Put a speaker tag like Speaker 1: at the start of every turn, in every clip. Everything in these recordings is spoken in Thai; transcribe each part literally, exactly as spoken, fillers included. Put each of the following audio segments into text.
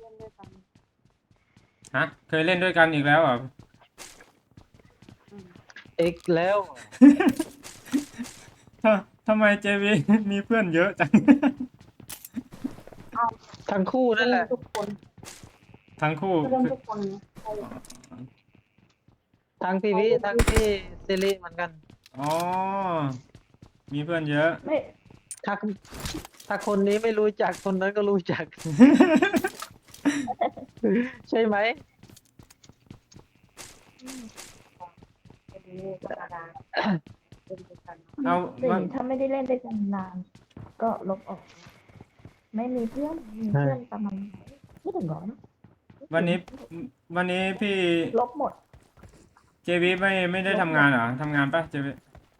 Speaker 1: ล่นด้วยกัน
Speaker 2: ฮะเคยเล่นด้วยกันอีกแล้วเหรอ
Speaker 1: อืม
Speaker 3: อีกแล้ว
Speaker 2: ทำทำไมเจวีมีเพื่อนเยอะจัง
Speaker 1: เอา
Speaker 3: ทั้งคู่
Speaker 1: ก็
Speaker 3: นั่นแห
Speaker 1: เล่น
Speaker 3: ละ
Speaker 1: ทุกคน
Speaker 2: ทั้งคู่
Speaker 1: ก็เล่น
Speaker 2: คือ
Speaker 1: ทุกคนนะใคร
Speaker 2: อ๋อ
Speaker 3: ทั้งพี่
Speaker 1: ใคร
Speaker 3: วิ
Speaker 1: เล่น
Speaker 3: ทั้ง
Speaker 1: ทุก
Speaker 3: พี่ซิริเหมือนกัน
Speaker 2: อ๋อมีเพื่อนเยอะ
Speaker 1: ไม่
Speaker 3: ถ้าถ้าคนนี้ไม่รู้จักคนนั้นก็รู้จัก ใช่ไหม
Speaker 1: อืมเป็นธรรมดาเล่นด้วยกัน
Speaker 2: เอา
Speaker 1: สิ่
Speaker 2: วัน
Speaker 1: งถ้าไม่ได้เล่นด้วยกันนาน ก็ลบออก ไม่มีเพื่อนมี
Speaker 3: ใช่
Speaker 1: เพื่อนประมาณไหนไม่ถึงร้อยนะ
Speaker 2: วันนี้วันนี้พี่
Speaker 1: ลบหมด
Speaker 2: เจวีไม่ไม่ได้
Speaker 1: ลบ
Speaker 2: ทำ
Speaker 1: หม
Speaker 2: งาน
Speaker 1: ด
Speaker 2: เหรอทำงานปะเจวี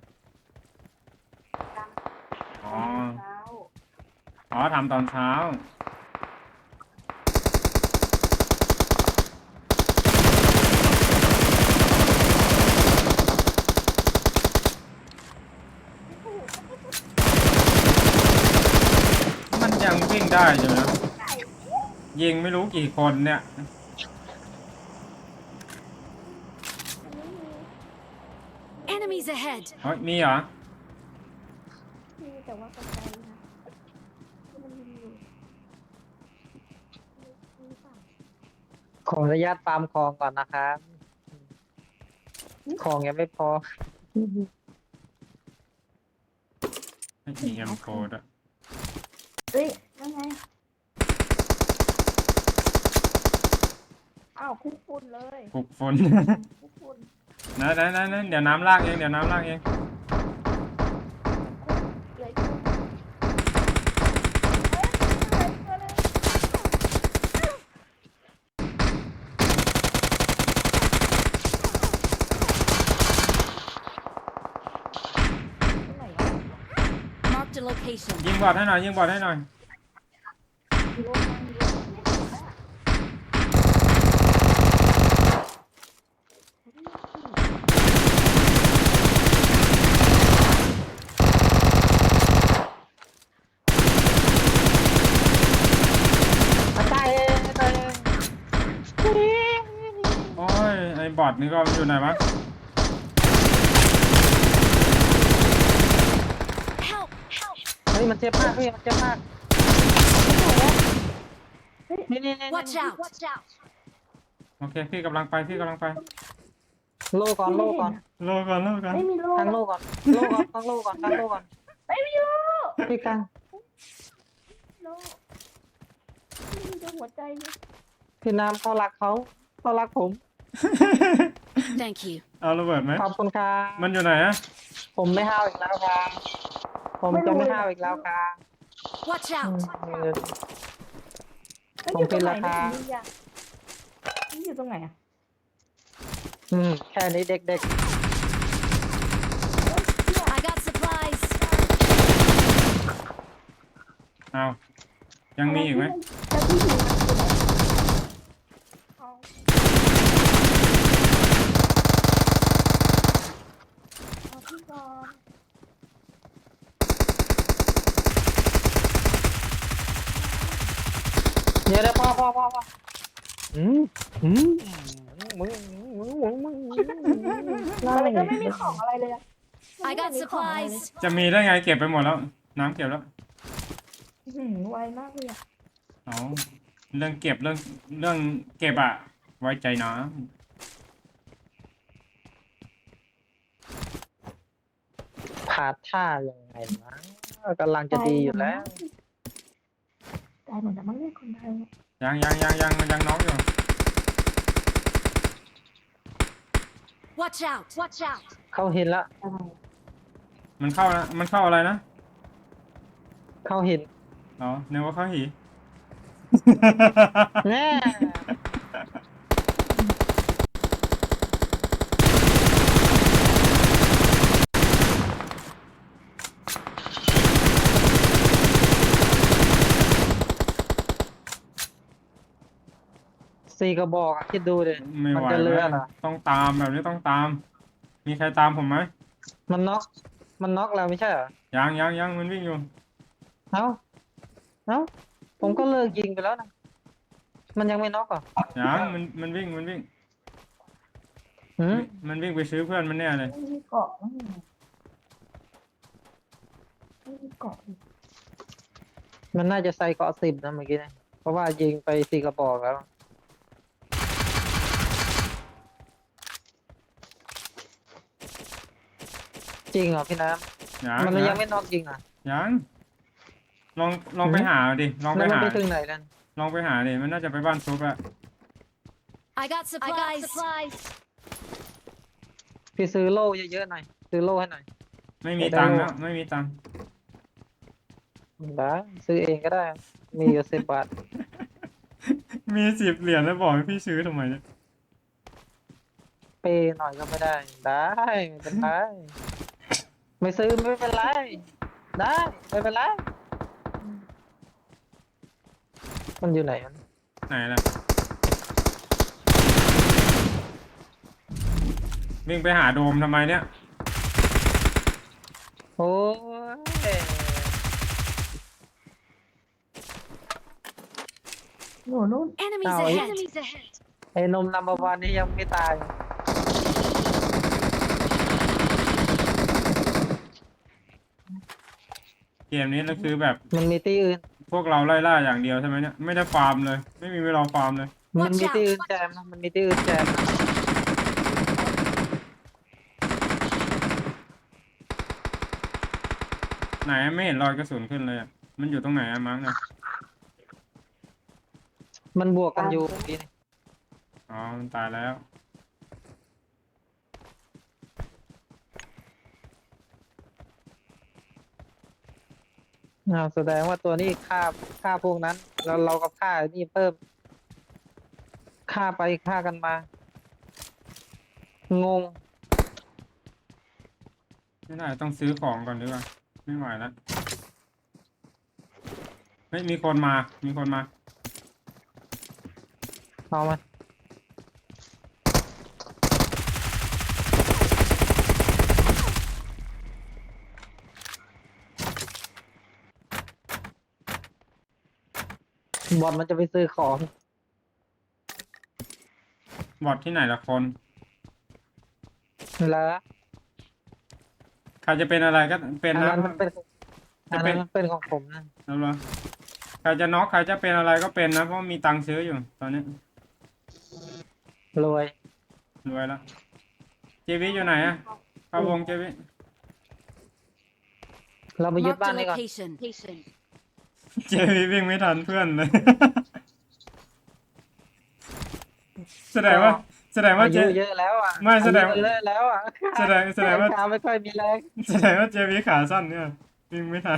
Speaker 2: อ๋อ
Speaker 1: ทำงานเช้า
Speaker 2: อ๋อทำตอนเช้า มันยังวิ่งได้อยู่นะยิงไม่รู้กี่คนเนี่ย
Speaker 4: Enemies ahead!
Speaker 2: เฮ้ยมีเหรอ
Speaker 1: มีแต่ว่าไกลๆนะที่มันมีอยู่มีเปล่า
Speaker 3: ขออนุญาตฟาร์มของก่อนนะครับ ของยังไม่พอ
Speaker 2: ไม่มีเอ็มโฟด้วย
Speaker 1: เฮ้ยยังไงอ้าวคุกฝุ่นเลย
Speaker 2: ปลุกฝน
Speaker 1: คุกฝุ่น
Speaker 2: นะนะนะนะเดี๋ยวน้ำลากเองเดี๋ยวน้ำลากเอง
Speaker 1: เลยคุกเฮ้ยเลยตัวเลยตรงไหนวะ
Speaker 4: Marked a location.
Speaker 2: ยิงบอดให้หน่อยยิงบอดให้หน่อย
Speaker 1: มีรถนั่งมีรถไม่เห็นอะ
Speaker 3: ตายเองตายเอง
Speaker 2: โอ้ยไอ้บอดนี่ก็อยู่ไหนวะ
Speaker 4: Help! Help!
Speaker 3: เฮ้ยมันเจ็บมากพี่มันเจ็บมาก นี่นี่นี่
Speaker 4: Watch out! Watch out!
Speaker 2: โอเคพี่กำลังไปพี่กำลังไป
Speaker 3: โลก่อนโลก่อน
Speaker 2: โลก่อนโลก่อน
Speaker 1: ไม่มีโล
Speaker 3: ตั้งโลก่อนโลก่อนตั้งโลก่อนตั้งโลก่อน
Speaker 1: ไม่มีโล
Speaker 3: พี่กัง
Speaker 1: โลไม่มีแต่หัวใจเนี่ย
Speaker 3: พี่น้ำเขารักเขาเขารักผม
Speaker 4: Thank you.
Speaker 2: เอาระเบิดไหม
Speaker 3: ขอบคุณครับ
Speaker 2: มันอยู่ไหนอะ
Speaker 3: ผมไม่ห้าวอีกแล้วครับผมจะไม่ห้าวอีกแล้วครับ
Speaker 4: Watch
Speaker 3: อืม
Speaker 4: out!
Speaker 1: เอ้ย
Speaker 3: ผม
Speaker 1: อยู่ต
Speaker 3: เป็
Speaker 1: ร
Speaker 3: น
Speaker 1: งไหน
Speaker 3: ราคา
Speaker 1: เนี่ยนี่ยังนี่อยู่ตรงไหนอ่ะ
Speaker 3: อืมแค่นี้เด็ก
Speaker 4: I got supplies.
Speaker 2: เอายังมีอีกไหม
Speaker 1: แล้วพี่หิวมันอยู่ไหนเอาเอาพี่ก่อน
Speaker 3: ๆเดี๋ยวเดี๋ยวพ่อพ่อพ่อพ่ออืมอืมมึงมึงมึงมึงมึง
Speaker 1: มันก็ไม่มีของอะไรเลยอะ
Speaker 4: I got
Speaker 1: ไม่มีของอะไรเลย
Speaker 4: supplies.
Speaker 2: จะมีได้ไงเก็บไปหมดแล้ว น้ำเก็บแล้ว
Speaker 1: อื้อหือไวมากเลยอะ
Speaker 2: เอาเรื่องเก็บเรื่องเรื่องเก็บอะไว้ใจนะ
Speaker 3: ผาดท่ายังไงนะกำลังจะดีอยู่แล้ว
Speaker 1: ตายหมดแล้วมั้งเนี่ยคนไทยอะ
Speaker 2: ยังยังยังยังมันยังน้องอยู่
Speaker 4: Watch out! Watch out!
Speaker 3: เขาเห็นละ
Speaker 1: อะไร
Speaker 2: มันเข้านะมันเข้าอะไรนะ
Speaker 3: เขาเห็น
Speaker 2: อ๋อนึกว่าเข้าหี
Speaker 3: แน่สี่กระบอกอะคิดดูดิ
Speaker 2: ไม่
Speaker 3: มัน
Speaker 2: ไหว
Speaker 3: จะเลือ
Speaker 2: แล้ว
Speaker 3: เหรอ
Speaker 2: ต้องตามแบบนี้ต้องตาม มีใครตามผมไหม
Speaker 3: มันน็อกมันน็อกแล้วไม่ใช่เหรอ
Speaker 2: ยังยังยังมันวิ่งอยู่
Speaker 3: เอ้าเอ้าผมก็เลิกยิงไปแล้วนะมันยังไม่น็อกเหรอ
Speaker 2: ยังมันมันวิ่งมันวิ่ง
Speaker 3: หืม
Speaker 2: มันวิ่งไปซื้อเพื่อนมันแน่เลย
Speaker 1: ไม่มีเกาะไม่มีไม่มีเกาะอีก
Speaker 3: มันน่าจะใส่เกาะสิบนะเมื่อกี้นะเพราะว่ายิงไปสี่กระบอกแล้ว จริงเหรอพี่น้
Speaker 2: ยัง
Speaker 3: ำมัน
Speaker 2: ยั
Speaker 3: ยัง
Speaker 2: ง
Speaker 3: ไม่น็อกจริงเหรอ
Speaker 2: ยังลองลองไปหาดิลองไป
Speaker 3: แล้วมัน
Speaker 2: หา
Speaker 3: ไปถึงไหนนั่น
Speaker 2: ลองไปหาดิมันน่าจะไปบ้านซุปอะ
Speaker 4: I got supplies. supplies.
Speaker 3: พี่ซื้อโล่เยอะๆหน่อยซื้อโล่ให้หน่อย
Speaker 2: ไม่มี
Speaker 3: ไม่ได้
Speaker 2: ตังค์
Speaker 3: โล่
Speaker 2: แล้วไม่มีตังค์
Speaker 3: ได้ซื้อเองก็ได้ มีอยู่สิบบาท
Speaker 2: มีสิบเหรียญแล้วบอกให้พี่ซื้อทำไมเนี่ย
Speaker 3: เปย์หน่อยก็ไม่ได้ ได้ไม่เป็นไรไม่ซื้อไม่เป็นไร ได้ไม่เป็นไรมันอยู่ไหนมัน
Speaker 2: ไหนล่ะวิ่งไปหาโดมทำไมเนี่ย
Speaker 3: โอ้ย
Speaker 1: หนูนู่น
Speaker 4: Enemies
Speaker 3: Oh,
Speaker 4: ahead.
Speaker 3: yeah.
Speaker 4: Enemies ahead.
Speaker 3: ไอ้นมนัมเบอร์วันนี่ยังไม่ตาย
Speaker 2: เกมนี้ก็คือแบบ
Speaker 3: มันมีที่อื่น
Speaker 2: พวกเราไล่ล่าอย่างเดียวใช่ไหมเนี่ยไม่ได้ฟาร์มเลย ไม่มีเวลาฟาร์มเลย
Speaker 3: มันมีที่อื่นแจมนะมันมีที่อื่นแจมนะ
Speaker 2: ไหนไม่เห็นรอยกระสุนขึ้นเลยอะมันอยู่ตรงไหนอะมั้งเนี่ย
Speaker 3: มันบวกกันอยู่เมื่อกี้นี่
Speaker 2: อ๋อมันตายแล้ว
Speaker 3: อ้าวแสดงว่าตัวนี้ฆ่าฆ่าพวกนั้น แล้วเราก็ฆ่าไอ้นี่เพิ่มฆ่าไปฆ่ากันมา งง
Speaker 2: ไม่ได้ต้องซื้อของก่อนดีกว่าไม่ไหวแล้วเฮ้ยมีคนมา มีคนมา
Speaker 3: เอามาบอลมันจะไปซื้อของ
Speaker 2: บอทที่ไหนละคน
Speaker 3: แล้ว
Speaker 2: ใครจะเป็นอะไรก็เป็น
Speaker 3: อัน
Speaker 2: นะ
Speaker 3: นั้นมันเป็น
Speaker 2: จะ
Speaker 3: อัน
Speaker 2: เป็
Speaker 3: นั้น นมันเป็นของผมนะ
Speaker 2: แล้วเหรอใครจะน็อกใครจะเป็นอะไรก็เป็นนะเพราะมีตังค์ซื้ออยู่ ตอนนี้
Speaker 3: รวย
Speaker 2: รวยแล้วเจวิอยู่ไหนอะเข้าวงเจวิ
Speaker 3: เราไปยึด
Speaker 4: Marked
Speaker 3: บ้าน
Speaker 4: a
Speaker 3: นี้ก่อน
Speaker 4: location.
Speaker 2: เจวิวิ่งไม่ทันเพื่อนเลย แสดงว่า แสดงว่า
Speaker 3: อา
Speaker 2: เจ
Speaker 3: ยุเยอะแล้วอ่ะ
Speaker 2: ไม่แสดง
Speaker 3: อายุเยอะแล้วอ่ะ
Speaker 2: แสดงแสดงว่า
Speaker 3: ขาไม่ค่อยมีแรง
Speaker 2: แสดงว่าเจวิขาสั้นเนี่ยวิ่งไม่ทัน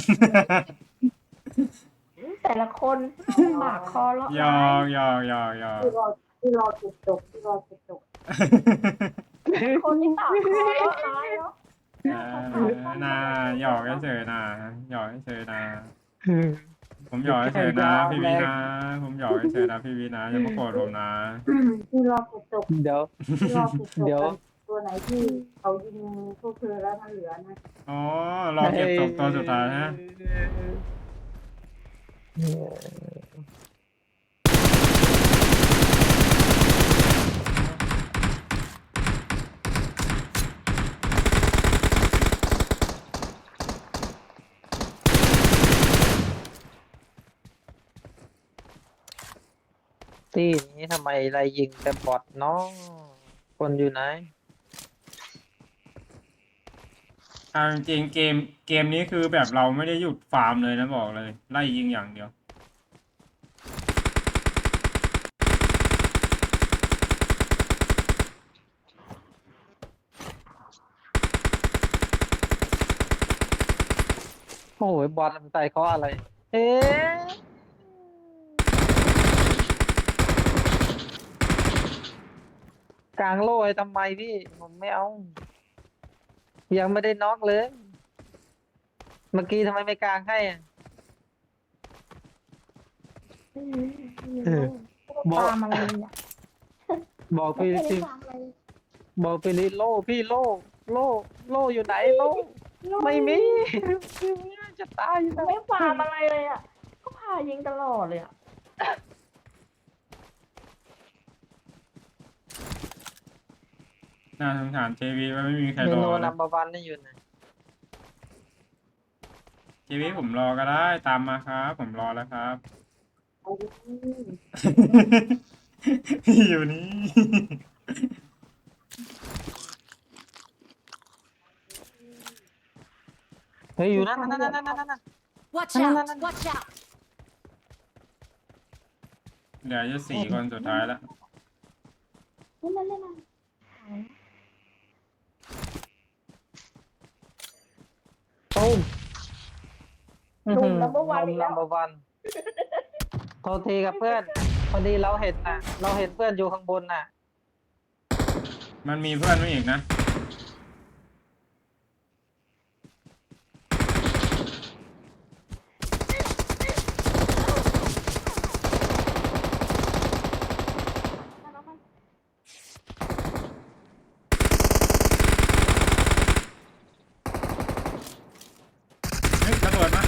Speaker 1: แต่ละคนปากคอเลาะ
Speaker 2: ยอกยอกยอกยอก
Speaker 1: ที่รอที่รอจุดจบที่รอจุดจบคนที่ปากคอเลาะร้ายเนาะ
Speaker 2: เออนาหยอกเฉยๆนะหยอกเฉยๆนะ ผมหยอกเฉยๆนะพี่วีนะผมหยอกเฉยๆนะพี่วีนะอย่ามาโกรธผมนะ
Speaker 1: ที่รอจุดจบ
Speaker 3: เดี๋ยว
Speaker 1: ที่รอจุดจบ
Speaker 3: เดี๋ยว
Speaker 1: ตัวไหนที่เขายิงพวกเธอแล้วมันเหลือนะ
Speaker 2: อ๋อรอเก็บตกตัวสุดท้ายฮะ
Speaker 3: ที่นี้ทำไมไรยิงแต่บอทเนาะคนอยู่ไหน
Speaker 2: เอาจริงๆเกมเกมนี้คือแบบเราไม่ได้หยุดฟาร์มเลยนะบอกเลย ไล่ยิงอย่างเดียว
Speaker 3: โอ้ยบอทมันใส่เขาอะไร เอ๊ะกลางโล่ให้ทำไมพี่ ผมไม่เอา ยังไม่ได้น็อกเลย เมื่อกี้ทำไมไม่กลางให้อะ
Speaker 1: ไม่มีไม่มี
Speaker 3: เออ
Speaker 1: ลูกตามอะไรเนี่ย
Speaker 3: บอก
Speaker 1: ไม่
Speaker 3: พี่
Speaker 1: ได้
Speaker 3: พี่
Speaker 1: ตามอะไร
Speaker 3: บอกพี่ลิโล่พี่โล่โล่โล่อยู่ไหนโล่ไม่มีจะตายอยู่แล้ว
Speaker 1: ไม่ฟาร์มอะไรเลยอ่ะ ก็พายิงตลอดเลยอ่ะ
Speaker 2: น่าสงสารเจวีว่าไม่มีใคร
Speaker 3: เม
Speaker 2: รอ
Speaker 3: นู
Speaker 2: เล
Speaker 3: นั
Speaker 2: ย
Speaker 3: มเบอร์วันนี่อยู่ไหน
Speaker 2: เจวีผมรอก็ได้ตามมาครับ ผมรอแล้วครับ
Speaker 1: เอาดิ
Speaker 2: พี่อยู่นี่
Speaker 3: เฮ้ยอยู่นั่นนั่นนั่นนั่นนั่นนั่น
Speaker 4: Watch
Speaker 3: No, no, no,
Speaker 4: out!
Speaker 3: no, no.
Speaker 4: Watch out!
Speaker 2: เดี๋ยวจะสี่คนสุดท้ายแล้ว
Speaker 1: เล่นเล่นเล่นเล่น
Speaker 3: ตุ้ม
Speaker 1: หนุ่มนัมเบอร์วัน
Speaker 3: น
Speaker 1: อีก
Speaker 3: นั
Speaker 1: แล้ว
Speaker 3: มเบอร์วันโทษทีกับเพื่อนพอดีเราเห็นน่ะ เราเห็นเพื่อนอยู่ข้างบนน่ะ
Speaker 2: มันมีเพื่อนมาอีกนะ เฮ้ยตำรวจมา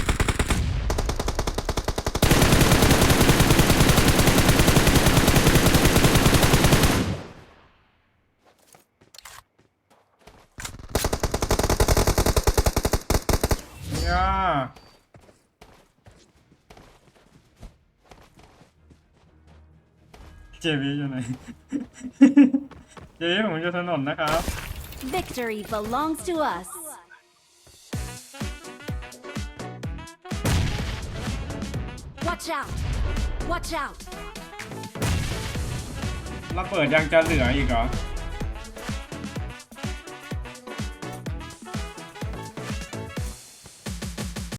Speaker 2: ย่าเจวีอยู่ไหน เจวีผมอยู่ถนนนะครับ
Speaker 4: Victory belongs to us. Watch out! Watch out!
Speaker 2: เราเปิดยังจะเหลืออีกเหรอ